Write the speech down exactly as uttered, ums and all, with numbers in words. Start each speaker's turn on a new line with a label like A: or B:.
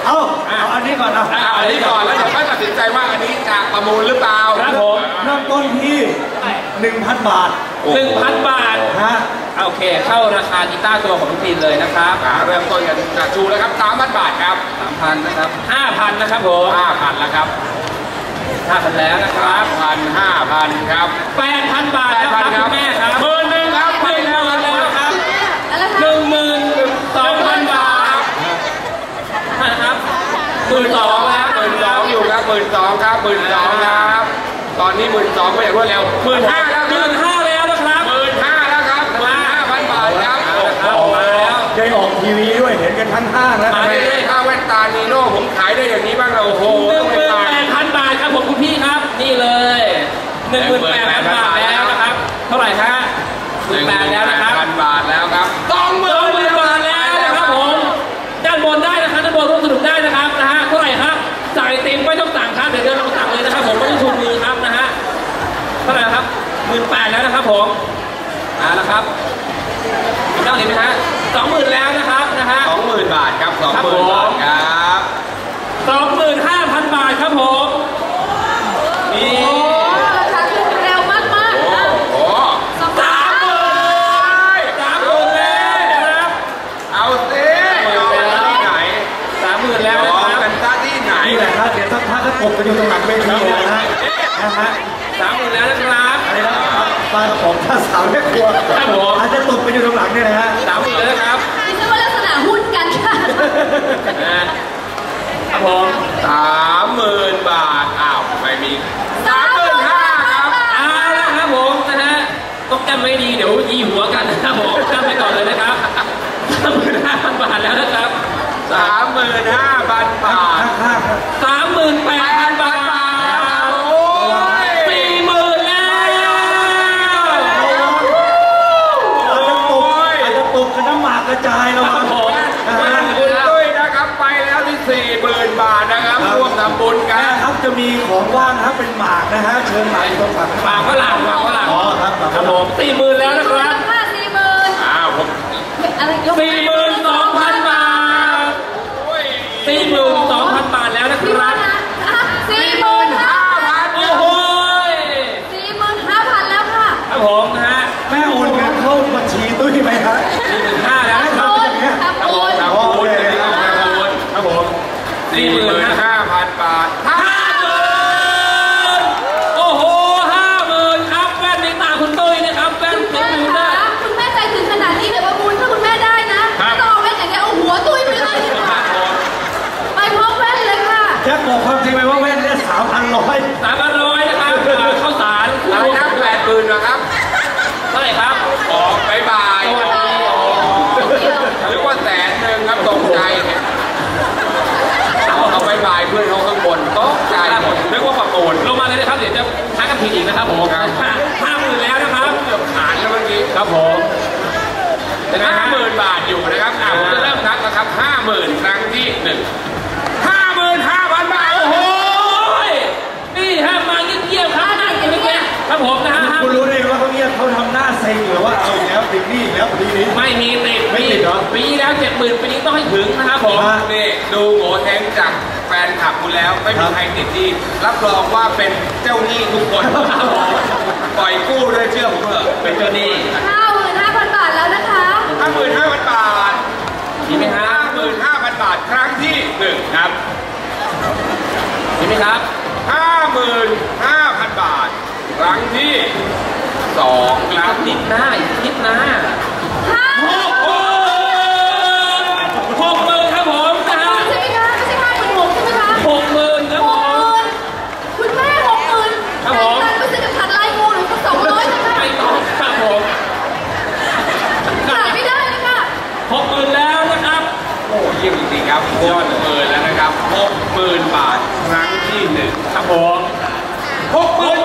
A: เอาเอาอันนี้ก่อนนะ
B: เอาอันนี้ก่อนแล้วเดี๋ยวค่อยตัดสินใจว่าอันนี้จะประมูลหรือเปล่า
C: ครับผม
A: เริ่มต้นที่หนึ่งพันบาท
C: หนึ่งพันบาท
A: ฮะ
C: โอเคเข้าราคากีตาร์ตัวของทุกทีเลยนะครับ
B: เริ่มต้นกันจากชูแล้วครับสามพันบาทครับ
C: สามพันนะครับห้าพันนะครับผม
B: ห้าพันแล้วครับ
C: ห้าพันแล้วนะครับ
B: พันห้าพันครับ
C: แปดพันบาทแล้วครับคุณแม่ครับ
B: หมื่นหนึ่งครับ
C: ไปแล้วแล้วครับหนึ่งหมื่นสองพันบาทนะครับหมื่นสองแล้ว
B: หมื่นสองอยู่ครับหมื่นสองครับหมื่นสองครับตอนนี้หมื่นสองไปอย่างรวดเร็วหมื่นห้าแล้ว
C: หมื่นห้าแล้วนะครับ
B: หมื่นห้าแล้วครับหมื่นห้าพันบาทครับ
C: ออกมาแล้ว
A: ได้ออกทีวีด้วยเห็นกันทั้งห้างแล้ว
B: ไม่ได้ค่าแว่นตานีโน่ผมขายได้อย่างนี้บ้างเราโอ้โห
C: หนึ่งหมื่นแปดพันบาทครับผมคุณพี่ครับนี่เลยหนึ่งหมื่นแปดพันบาทแล้วนะครับเท่าไหร่ฮะหนึ่งแปดแล้วนะครับ
B: พันบาทแล้วครับ
C: สองหมื่นบาทแล้วนะครับผมด้านบนได้นะครับด้านบนร่วมสนุกได้นะครับนะฮะเท่าไหร่ครับจ่ายเต็มไม่ต้องสั่งครับเดี๋ยวเดินลงสั่งเลยนะครับผมไม่ต้องชูมือครับนะฮะเท่าไหร่ครับหมื่นแปดแล้วนะครับผมอ่าแล้วครับมีเท่าไหร่ไหมฮะสองหมื่นแล้วนะครับนะฮะ
B: สองหมื่นบาทครับสองหมื่นบาทครับ
C: สองหมื่นห้าพันบาทครับผมนี่
D: ราคาขึ้นเร็วมากมาก
B: โอ้
C: สามหมื่นสามหมื่นแล้วนะครับ
B: เอาสิเอาที่ไหน
C: สามหมื่นแล้วนะครับ
B: กันซะที่ไหน
A: นี่แหละครับเดี๋ยวสักพักก็ตกกันอยู่ตรงหลังเวทีเลยนะฮะนะฮะ
C: สามหมื่นแล้วนะครับ
A: อะไรนะครับปลากระป๋องข้าวสาวแม่ครัว
C: ครับผม
A: อาจจะตกไปอยู่ตรงหลังเนี่ยนะฮะ
C: สามหมื่นแล้วนะครับ
D: ดิฉันว่าลักษณะหุ้นกันค่ะ
C: ครับผม
B: สามหมื่นบาทอ้าวไม่มีสามหมื่นห้าครับ
C: เอาละครับผมนะฮะต้องจำไม่ดีเดี๋ยวยีหัวกันนะครับผมจำไปก่อนเลยนะครับสามหมื่นห้าพันบาทแล้วนะครับ
B: สามหมื่นห้าพันบาท
C: สามหมื่นแปดพันบาท
B: โอ้ย
C: สี่หมื่นแล้ว
A: อาจจะตกอาจจะตกกันน้ำหมากกระจายแล้วครับ
C: ผม
B: คุณตุ้ยนะครับไปแล้วที่สี่หมื่นบาทนะครับร่วมทำบุญกัน
A: ครับจะมีของว่างนะครับเป็นหมากนะฮะเชิญหมากตรงฝั่ง
C: หมากฝรั่งหมากฝรั่ง
A: อ๋อครับ
C: ครับผมสี่หมื่นแล้วนะครับ
D: สี่หมื่น
B: อ้าวผม
C: สี่หมื่นสองพันบาทสี่หมื่นสองพันบาทแล้วนะครับ
D: สี่หมื่นห้าพัน
C: โอ้โห
D: สี่หมื่นห้าพันแล้วค่ะ
C: ครับผมนะฮะ
A: แม่โอนเงินเข้าบัญชีตุ้ยไหมครับ
C: สี่หมื่นห้าแล้วนะครับ
D: ครับผม
B: ครับผมครับผมสี่หมื่นห้าพันบาท
C: ห้าหมื่นโอ้โหห้าหมื่นครับแว่นในตาคุณตุ้ยนะครับแว่นคุณแม่
D: คะคุณแม่ใจถึงขนาดนี้เดี๋ยวประมูลถ้าคุณแม่ได้นะต้องเอาแว่นอย่างเงี้ยเอาหัวตุ้ยไปเลยดีกว่าไปพร้อมแว่นเลยค่ะ
A: แจ็คบอกความจริงไหมว่าแว่นเนี่ยสามพันร้อย
C: สามพันร้อยนะครับข้าวสาร
B: อะไรนะแปดหมื่นนะครับ
C: เท่าไหร่ครับ
B: ออกบายบายหรือว่าแสนหนึ่งครับตกใจเนี่ยเอาบายบายเพื่อนเขาข้างบนตกใจหมดนึกว่าประมูล
C: ลงมาเลยนะครับเดี๋ยวจะทักกันผิดอีกนะครับผมห้าหมื่นแล้วนะครับ
B: เกือบขาดแล้วเมื่อกี้
C: ครับผม
B: ห้าหมื่นบาทอยู่นะครับอ่าผมจะเริ่มนับนะครับห้าหมื่นครั้งที่หนึ่งห้าหมื่นห้าพันบาท
C: โอ้โหนี่ฮะมาเงียบๆครับนั่งเงียบๆครับผมนะฮะ
A: คุณรู้ได้ว่าเขาเงียบเขาทำหน้าเซ็งหรือว่าเอาแล้วติดนี่แล้วปีนี้
C: ไม่มีติด
A: ไม่ติดเหรอ
C: ปีแล้วเจ็ดหมื่นปีนี้ต้องให้ถึงนะครับผม
B: นี่ดูโง่แทงจากแฟนคลับคุณแล้วไม่มีใครติดหนี้รับรองว่าเป็นเจ้าหนี้ทุกคนปล่อยกู้ด้วยเชื่อผมเถอะ
C: เป็นเจ้าหนี้
D: ห้าหมื่นห้าพันบาทแล้วนะคะ
B: ห้าหมื่นห้าพันบาท
C: มีไหมฮะ
B: ห้าหมื่นห้าพันบาทครั้งที่หนึ่งครับ
C: มีไหมครับ
B: ห้าหมื่นห้าพันบาทครั้งที่สองครับ
C: นิดหน้าอีกนิดหน้าหกหมื่นหกหมื่นครับผมนะฮะ
D: ใช่ไหมคะไม่ใช่ห้าหมื่นหกใช่ไหมคะ
C: หกหมื่นครับผม
D: คุณแม่หกหมื่น
C: ครับผม
D: ไม่ซื้อกับขัดลายงูหรือสองร้อยใช่ไหม
C: ไม่ต้องครับผม
D: ขายไม่ได้เลยค่ะ
C: หกหมื่นแล้วนะครับ
B: โอ้เยี่ยมจริงๆครับยอดหมื่นแล้วนะครับหกหมื่นบาทครั้งที่หนึ่ง
C: ครับผม
B: หกหมื่น